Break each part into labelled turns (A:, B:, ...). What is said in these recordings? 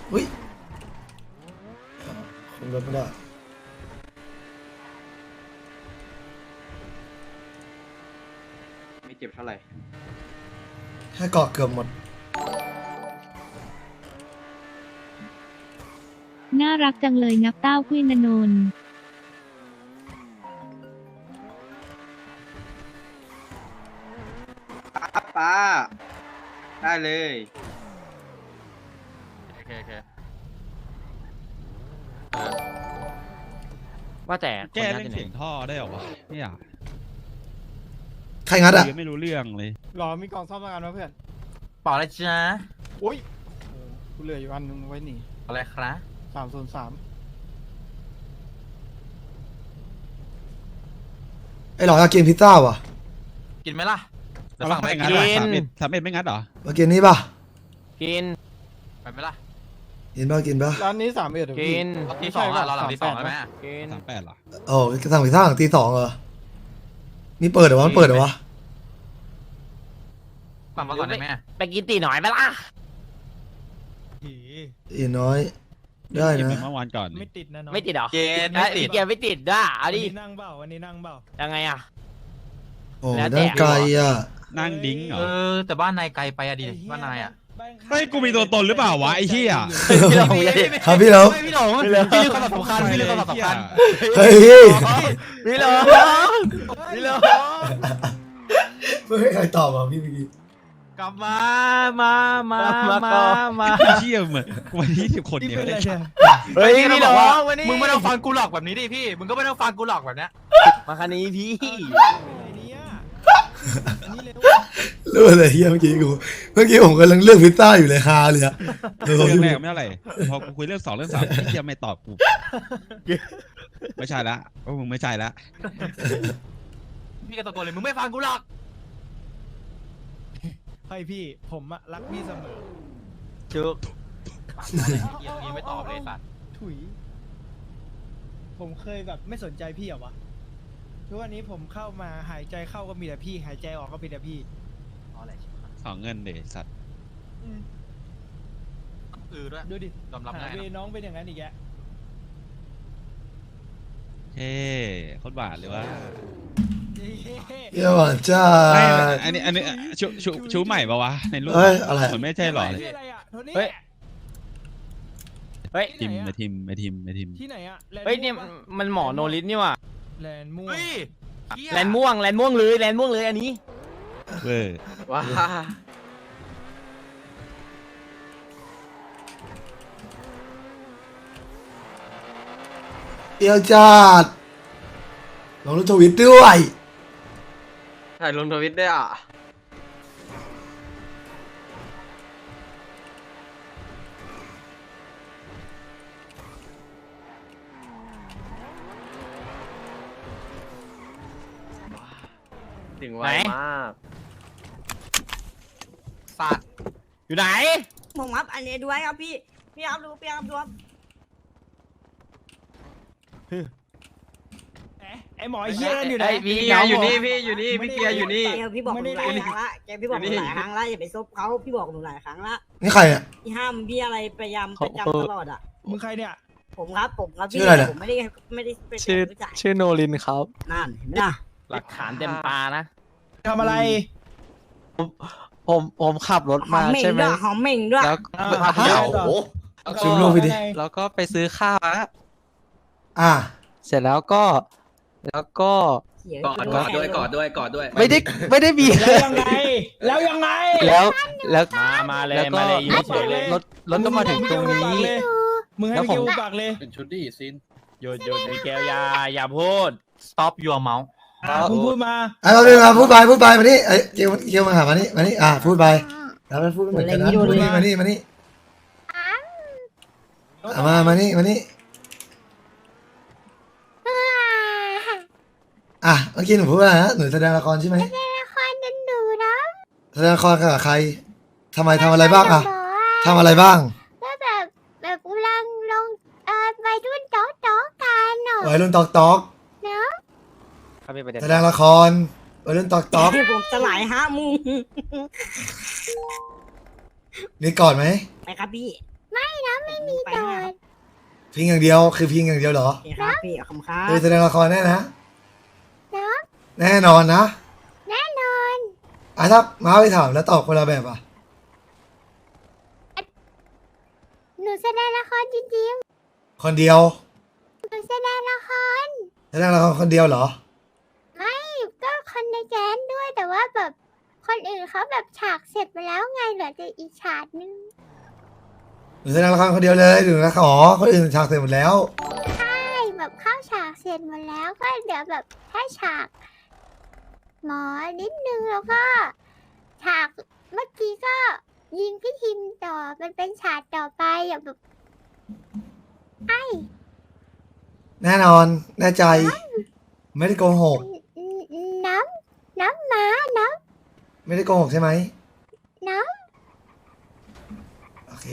A: อุ้ยคุมรถไม่ได้
B: ไม่เจ็บเท่าไหร่
A: แค่เกาะเกือบหมด
C: น่ารักจังเลยงับเต้าคุยนนนท์
B: ป้าได้เลย
D: โอเค
E: ว่าแต่
F: แก้เรื่องเสียงท่อได้เหรอวะเนี่ย
A: ใครงัดอ่ะ
F: ยังไม่รู้เรื่องเลย
G: หรอมีกล่องซ่อมประกันวะเพื่อน
D: เปล่าอะไรจ้า
G: โอ้ยกูเหลืออยู่อันนึงไว้หนี
D: อะไรครับ
G: 303
A: ไอ้หลออยากกินพิซซ่าว่ะ
D: กินไหมล่ะเดี๋ยว
F: เอา
D: สั่งไป
F: ไม่
D: กิ
F: งั
D: น
F: ด
D: เล
F: เหรอย สามเอ็ดไม่งัดเหรอ
A: มากินนี่ป่ะ
E: กิน
D: ไปไหมล่ะ
A: กินป่ะกินป่ะ
G: ร้านนี้3เอ็ด
E: กิน
D: รอบที่สองอะเราหลังที่สองแล้วไหมอะ
E: กิน
F: 38เหรอ
A: โอ้สั่งพิซซ่าหลังตี 2เหรอนี่เปิดเหรอวะมันเปิดเหรอวะ
D: สั่งมาก่อนได้ไหมอะ
E: ไปกินตีหน่อยไหมล่ะ
A: อีน้อยได้
F: เก็บ
A: นะ
F: เมื่อวานก่อน
G: ไม่ติดนะน้อง
E: ไม่ติดเหรอ
D: เกณฑ์ไม่ติด
E: เกียร์ไม่ติดด้วยเอาดิ
G: นั่งเปล่าวันนี้นั่งเปล่า
E: ยังไงอ่ะ
A: โอ้
E: แล้วแต่
A: นั่งไกลอ่ะ
F: นั่งดิ้งเหรอ
D: แต่บ้านนายไกลไปอะดิบ้านนายอะ
F: เฮ้ยกูมีตัวตนหรือเปล่าวะไอ้เหี้ย
A: ครับพี่เรา
D: พี่หลงพี่ลืมความสำคัญพี่ลืมความสำคัญ
A: เฮ้ย
E: พี่เหรอพี่เหรอ
A: ไม่ให้ใครตอบอ่ะพี่เมื่อกี้
D: กลับมามา
F: ไอ้เหี้ยเหมือนวันนี้10 คนเนี่ย
E: เฮ้ยพี่เหรอ
D: วันนี้มึงไม่ต้องฟังกูหลอกแบบนี้ดิพี่มึงก็ไม่ต้องฟังกูหลอกแบบเนี้ย
E: มาคันนี้พี่
A: รู้อะไรเฮียเมื่อกี้ผมกำลังเลือกพิซซ่าอยู่เลยฮาเลยอะ
F: เรื่องแรกไม่เท่าไหร่พอกูคุยเรื่อง2เรื่อง3ไอ้เหี้ยไม่ตอบกูไม่ใช่ละว่ามึงไม่ใช่ละ
D: พี่ก็ตะโกนเลยมึงไม่ฟังกูหรอก
G: ให้พี่ผมอะรักพี่เสมอ
E: จุก
D: ยังไม่ตอบเลยสัตว์
G: ถุย ผมเคยแบบไม่สนใจพี่เหรอวะทุกวันนี้ผมเข้ามาหายใจเข้าก็มีแต่พี่ หายใจออกก็มีแต่พี่
F: สองเงินเดสัตว์
D: ด้วย
G: ดูดิ
D: ยอมรับ
G: หา
D: ง่าย
G: เว
D: นะ
G: น้องเป็นอย่างนั้นอีกแก
F: เฮ้โคตรบาทเลยว่า
A: เยี่ยมอ่ะจ้า
F: อันนี้ชูใหม่ปะวะในรูป
A: เอ้ยอะไร
F: เหมือนไม่ใช่หรอ
G: ที่อะไรอะโทนี่
E: เฮ้ยเฮ้ย
F: ทีมไอทีม
G: ที่ไหนอะแลด์
E: เฮ้ยเนี่ยมันหมอโนลิสนี่ว่ะ
G: แลนด์ม่วง
D: เฮ้ย
E: แลนด์ม่วงเลยอันนี้
F: เว้ย
E: ว้า
A: เยี่ยมจัดลองรูปทวิตด้วย
B: ถ่ายลงทวิตได้อ่ะ ถึงไวมาก
D: สัตว์
E: อยู่ไหน
H: ผมครับอันนี้ด้วยครับพี่ครับดูพี่ครับดูครับ
G: ไอหมอไอ้เหี้ยนั่นอยู่ไหน
E: พี่
B: พี่เกียร์อยู่นี่พี่อยู่นี่พี่เกียร์อยู่นี่
H: แกพี่บอกหนูหลายครั้งละแกพี่บอกหนู
B: อยู่นี่
H: หลายครั้งละอย่าไปซบเขาพี่บอกหนูหลายครั้งละ
A: นี่ใครอ่ะ
H: พี่ห้ามพี่อะไรพยายามประจำตลอดอ่ะ
G: มึงใครเนี่ย
H: ผมครับพี่
A: ชื่ออะไรเนี่ย
H: ผมไม่ได้เป็นรู้จัก
I: ชื่อโนลินครับ
H: นั่นเห็นไหมล่ะ
E: หลักฐานเต็มตานะ
G: ทำอะไร
I: ผมขับรถ
H: หอ
I: มาม
H: เหม่ง
I: ใช่ไหม
H: ด้วยหอมเหม่งด้วย
I: แล้ว
G: ฮะ
A: ซูมรูปไปดิ
I: แล้วก็ไปซื้อข้าวอะ
A: อ่ะ
I: เสร็จแล้วก็
H: เสีย
B: กอดด้วย
I: ไม่ได้มี
G: แล้วยังไง แล้วยังไง
I: แล้ว
E: มาเลย
I: แล้วก็
E: มาเลยอยู่เฉยเลย
I: รถก็มาถึงตรงนี้
G: มึงให้
I: แล้ว
G: ไป
I: ผม
G: กิวปากเลย
B: เป็นชุดดีซิน
E: หยุดมิเกลอย่าพูด
D: stop your mouth
G: มึงพูดมา
A: ไอ้มาพี่มาพูดไปมานี่ไอ้เกียวมาหามานี่อ่ะพูดไปแล้วมันพูดเหมือนกันนะพูดมานี่มานี่มานี่อ่ะเมื่อกี้หนูพูดว่าอะไรนะหนูแสดงละครใช่ไหม
C: ละครดันดูนะ
A: แสดงละครกับใครทำอะไรบ้างอ่ะทำอะไรบ้าง
C: ก็แบบกำลังลงวัยรุ่นโต๊ะกันเนาะ
A: วัยรุ่นตอก
C: เนาะ
A: แสดงละครวัยรุ่นตอก
H: ผมจะหลายฮะมุง
A: มีก่อนไหม
H: ไปครับพี่
C: ไม่นะไม่มีโดด
A: พิงอย่างเดียวคือพิงอย่างเดียวเหรอ
H: โอเคครับพี่ขอบคุณครับ
A: แสดงละครแน่นะ
C: เนาะ
A: แน่นอนนะ
C: แน่นอน
A: ถ้าม้าไปถามแล้วตอบคนละแบบอ่ะ
C: หนูแสดงละครจริง
A: คนเดียว
C: ๆหนูแสดงละคร
A: แสดงละครคนเดียวเหรอ
C: ไม่ก็คนในแก๊งด้วยแต่ว่าแบบคนอื่นเขาแบบฉากเสร็จไปแล้วไงเหลือแต่อีกฉากนึง
A: หรือแสดงละครคนเดียวเลยหรือละครอ๋อคนอื่นฉากเสร็จหมดแล้ว
C: ใช่แบบเข้าฉากเสร็จหมดแล้วก็เดี๋ยวแบบถ้าฉากหมอนิดนึงแล้วก็ฉากเมื่อกี้ก็ยิงพี่ทิมต่อมันเป็นฉากต่อไปอย่างแบบไอ้
A: แน่นอน แน่ใจ ไม่ได้โกหก
C: น้ำม้าน้
A: ไม่ได้โกหกใช่ไหม
C: ำน้
A: โอเค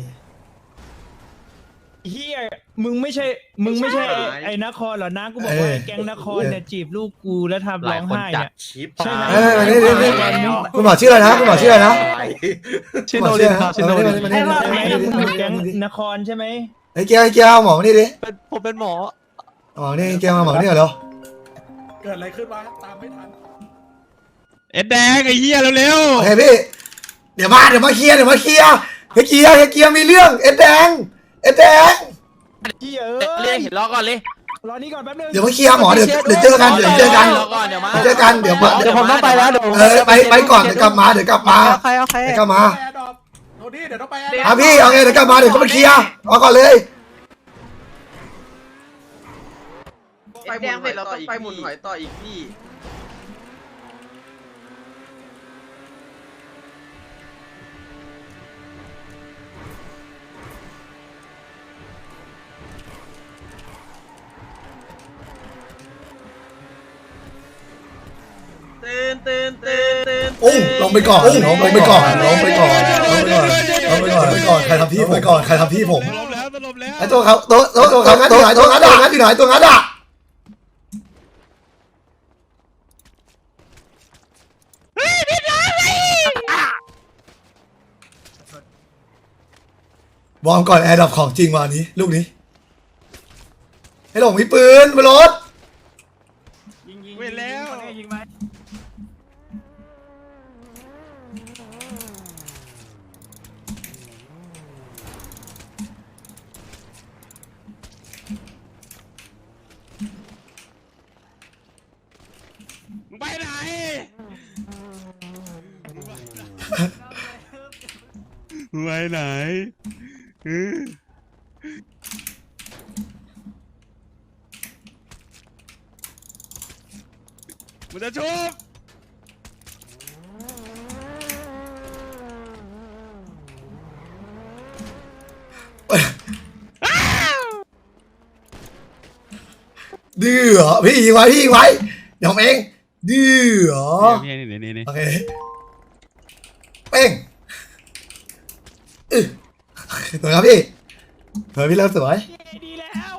G: เฮียมึงไม่ใช่ไอ้นครเหรอนะกูบอกว่าไอ้แก๊งนครเนี่ยจีบลูกกูแล้วทำร้องไห้เนี่ย
B: ชิป
G: ใช่ไหม
A: นี่คุณหมอชื่ออะไรนะคุณหมอชื่ออะไรนะ
I: ชื่อโนรินครับชื่อโนริน
A: มา
G: ไอ้
A: นี่
G: ว่า
A: มา
G: ไอ้
A: นี่
G: มึง
A: มา
G: เป็นแก๊ง
A: นี่
G: นครใช่ไหม
A: ไอ้เกียวไอ้เกียวหมอมานี่ดิ
I: ผมเป็นหมอ
A: หมอนี่เกียวมาหมอนี่เหรอ
B: เกิดอะไรขึ้นวะตามไม่ทัน
F: เอ็ดแดงไอ้เหี้ยเร็ว
A: โอเคพี่ เดี๋ยวมาเคลียร์เฮ้ยเกียวมีเรื่องเอ็ดแดง
G: เฮีย
E: เรียกเห็นล้อก่อนเลย
G: รอนี่ก่อนแป๊บนึง
A: เดี๋ยวมาเคลียร์หมอเดี๋ยวเจอกันเดี๋ยวเจอกัน
E: รอก่อนเดี๋ยวมา
A: เดี๋ยวเจอกันเดี๋ยว
I: เดี๋ยวผมต้องไปแล้วเดี๋ยวผม
A: ไปก่อนเดี๋ยวกลับมา
I: โอเค
A: เดี๋ยวกลับมา
B: โทนี่เดี๋ยวต้องไป
A: พี่เอาไงเดี๋ยวกลับมาเดี๋ยวก็มาเคลียร์เอาก่อนเลย
B: ไปแดงเสร็จเราต้องไปหมุนหอยต่ออีกพี่
A: โอ้ลงไปก่อนใครทำพี่ผม
F: ๆสลบแล้ว
A: ไอ้ตัวเขาตัวงัดอยู่ไหนตัวงัดอ่ะวอร์มก่อนแอร์ดับของจริงวันนี้ลูกนี้ให้หลงมีปืนบนรถ
F: เว้ยแล้ว
G: ยิงไหม
F: มึงไปไหนมึงไปไหนมันจะชุบ
A: ดื้อเหรอพี่ยิงไว้เดี๋ยวผมเองดื้อเหรอ
F: นี่
A: โอเคเป้งสวยครับพี่สวยพี่เลิศสวย
G: ดีแล้ว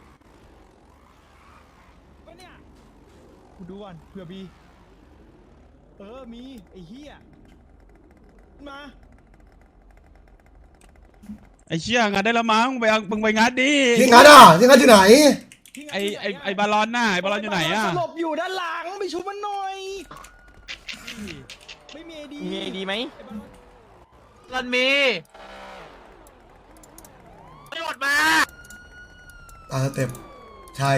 G: วะเนี่ยกูดูก่อนเผื่อมีมีไอ้เหี้ยมา
F: ไอ้เชี่ยงานได้ละมั้งมึงไปงานดิ
A: ที่งัดที่ไหน
F: ไอ้บาลอนน่ะไอ้บาลอนอยู่ไหนอ่ะ
G: สลบอยู่ด้านหลังไปชุบมันหน่อยไม่มีไอดี
E: มีดีไหม
D: รันมีตำรวจมา
A: เต็มชาย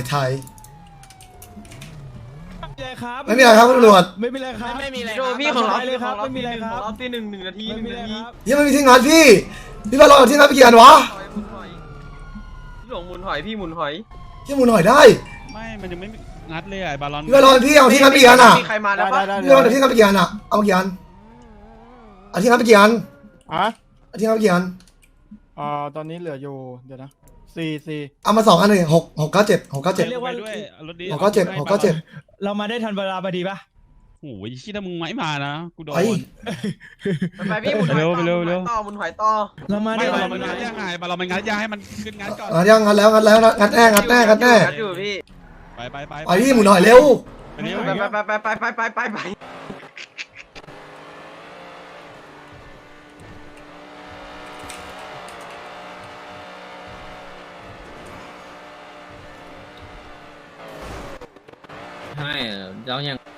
G: ไม่มีอะไรครับ
A: ไม่มีอะไรครับตำรวจ
G: ไม่มีอะไรครับ
E: ไม่มีอะไร
B: โดพี่ของเรา
G: เลยครับไม่มีอะไรครับ
B: รอบที่หนึ่งนาที
G: ไม่มีอะไรครับ
A: ยังไม่มีที่งัดพี่บาลอนที่งัดไปกี่อันวะ
B: พี่หลงหมุนหอยพี่หมุนหอย
A: ที่หมุนหน่อยได้
F: ไม่มันยังไม่งัดเลยไอ้บาลอน
A: พี่บาลอนพี่เอาที่งัดไปกี่อันอ่ะ
B: มีใครมาแล้วปะ
A: พี่บาลอนเอาที่งัดไปกี่อันอ่ะเอากี่อันเอาที่งัดไปกี่อัน
G: อ่ะ
A: เอาที่งัดไปกี่อัน
G: ตอนนี้เหลืออยู่เดี๋ยวนะ4
A: เอามา2 อันเลย6 9 7
G: เรียกว่า
F: ด้วยรถดี
A: 697
G: เรามาได้ทันเวลาพอดีปะ
F: โอ้ยชี้ถ้ามึงไม่มานะกูโดน
B: ไปพี่หมุนหอย
F: เร็ว
B: ต่อหมุนหอยต่อ
G: เรามา
F: ไม่
G: ได้
F: บาลอนมันงัดยังไงบาลอนมันงัดยังให้มันขึ้นงัดก่อน
A: งัดแล้วงัดแน่
B: อยู่พี่
F: ไป
A: ไปพี่หมุนหน่อยเร็ว
F: ไปเร็ว
B: ไป
J: ใช่แล้วยัง